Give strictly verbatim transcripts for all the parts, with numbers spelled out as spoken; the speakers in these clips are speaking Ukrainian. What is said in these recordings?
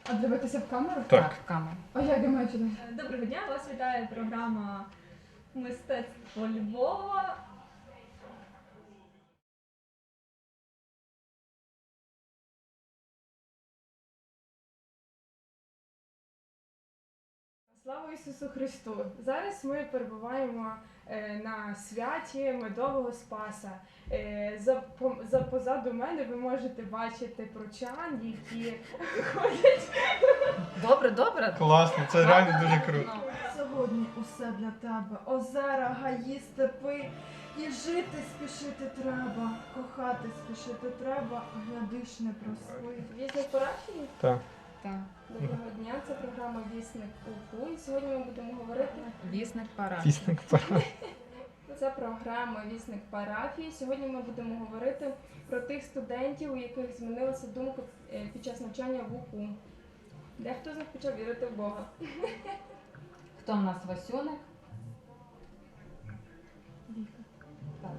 А дивитися в камеру? Так. в камеру. А як я маю чути? Доброго дня, вас вітає програма Мистецтво Львова. Слава Ісусу Христу! Зараз ми перебуваємо е, на святі Медового Спаса. Е, за, по, за позаду мене ви можете бачити прочан, які ходять. Добре, добре. Класно, це реально дуже круто. Ну, Сьогодні усе для тебе. Озера, гаї, степи. І жити спішити треба, кохати спішити треба, глядиш не проспи. Вісник парафії. Так. так. Доброго дня, це програма Вісник УПУ. І сьогодні ми будемо говорити. Вісник пора. Пісник пора. Це програма Вісник парафії. Сьогодні ми будемо говорити про тих студентів, у яких змінилася думка е, під час навчання в УПУ. Дехто з них почав вірити в Бога. Хто в нас Васюник? Так.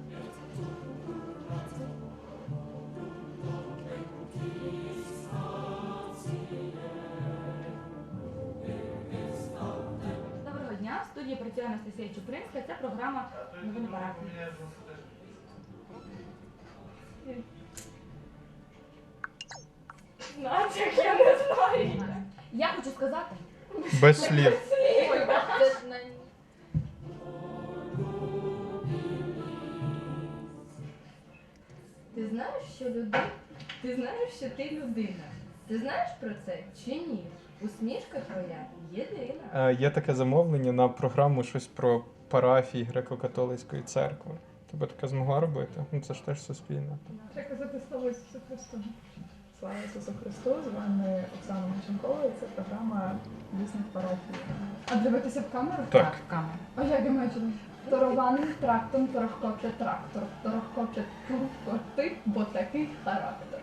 Доброго дня, в студії працює Анастасія Чупринська, це програма «Новини парафії». Натяк, я не знаю. Я хочу сказати, Без слів. ти знаєш, що людина, ти знаєш, що ти людина. Ти знаєш про це чи ні? Усмішка твоя єдина. Е, Є таке замовлення на програму щось про парафії Греко-католицької церкви. Ти би таке змогла робити? Ну це ж теж суспільне. Треба казати слава Ісусу Христу. Слава Ісусу Христу, з вами Оксана Маченкова, і це програма Вісник парафії. А дивитися в камеру? Так. в камеру. А як я маю чути? Торованим трактом торохкоче трактор, торохкоче туркоти, бо такий характер.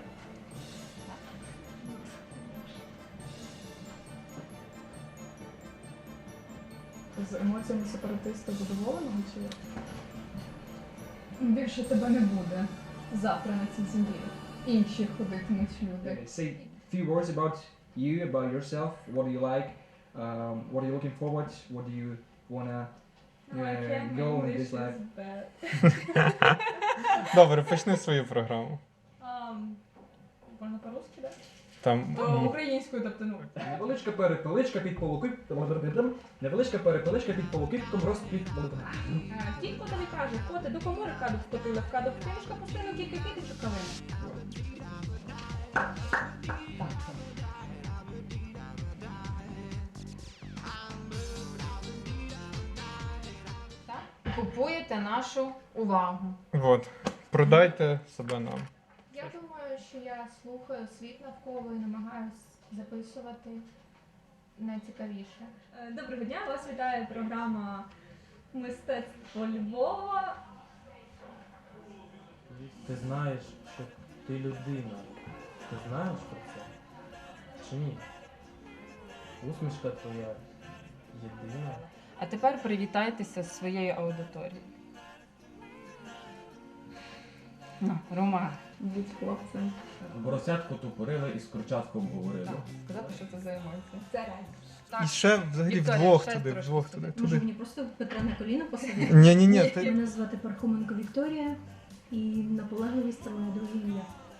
З емоціями сепаратиста задоволеного чи як? Більше тебе не буде завтра на цій землі. Інші ходитимуть люди. Okay, say a few words about you, about yourself. What do you like? Um, what are you looking forward? What do you wanna No, I uh, can't, my go in English this is life? bad. Добре, почни свою програму. Um, Можна по-русски, так? Там О, м, Українською, тобто, ну. Невеличка перепеличка під полукипком. Невеличка перепеличка під полукипком рост під Кіт котові каже, коти до комори каду вкотили, в каду вкинушка постійно кілька кіточок кавини. Так. Так. Купуєте нашу увагу. от. Продайте себе нам. Я думаю, що я слухаю світ навколо і намагаюсь записувати найцікавіше. Е, Доброго дня, вас вітає програма Мистецтво Львова. Ти знаєш, що ти людина. Ти знаєш про це? Чи ні? Усмішка твоя єдина. А тепер привітайтеся з своєю аудиторією. Ну, Роман. Будь хлопцем. Боросятку тупорили і з курчатком говорили. Так, сказати, що це за емоції. Це реально. Так. І ще взагалі Вікторія, вдвох ще туди, трошки вдвох сюди. туди. Може туди. мені просто Петра на коліна посадити? Ні, ні, ні, ти Мене звати Пархоменко Вікторія, і наполегливість це моє друге ім'я.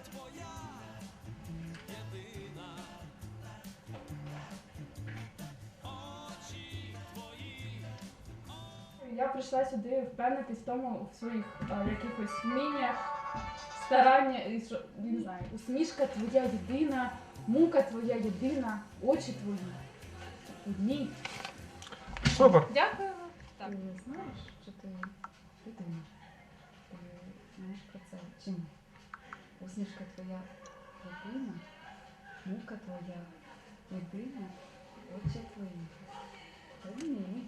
Я прийшла сюди впевнитись в тому, в своїх а, якихось вміннях, старання, і що, не знаю, усмішка твоя єдина, мука твоя єдина, очі твої одні. супер. Дякуємо. Так. Ти знаєш, що ти людина. Ти знаєш про це чи ні? Усмішка твоя єдина, мука твоя єдина, очі твої одні.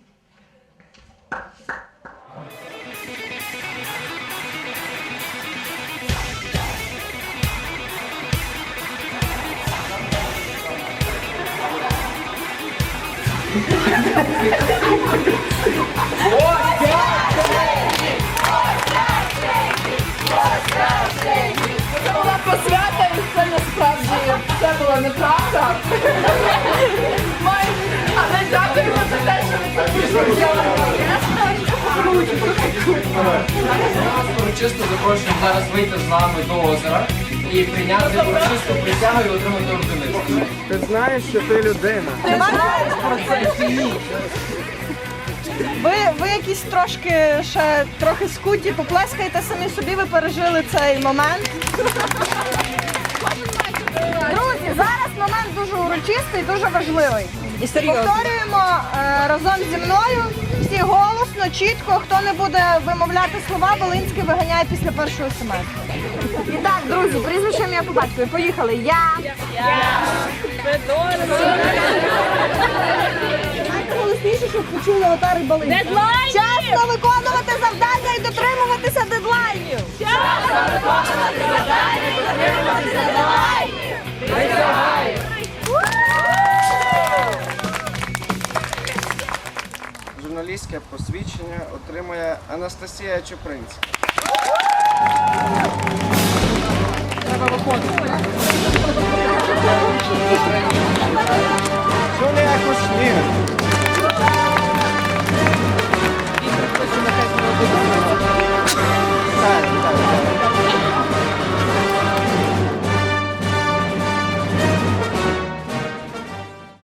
Це була посвята, і це насправді це була неправда. урочисто запрошуємо зараз вийти з нами до озера і прийняти урочисту присягу і отримати ордени. Ти знаєш, що ти людина. Ти знаєш про це чи ні? Ви, ви якісь трошки ще трохи скуті, поплескайте самі собі, ви пережили цей момент. Друзі, зараз момент дуже урочистий, дуже важливий. І серйозно. Повторюємо е, разом зі мною, всі голосно, чітко, хто не буде вимовляти слова, Волинський виганяє після першого семестру. І так, друзі, прізвище ім'я по батькові. Поїхали. Я. Я. Найголосніше, щоб почули отари балинці. Дедлайнів! Чесно виконувати завдання і дотримуватися дедлайнів. Чесно виконувати завдання і дотримуватися дедлайнів. Присягаю! Журналістське посвідчення отримує Анастасія Чупринська. Треба виходити.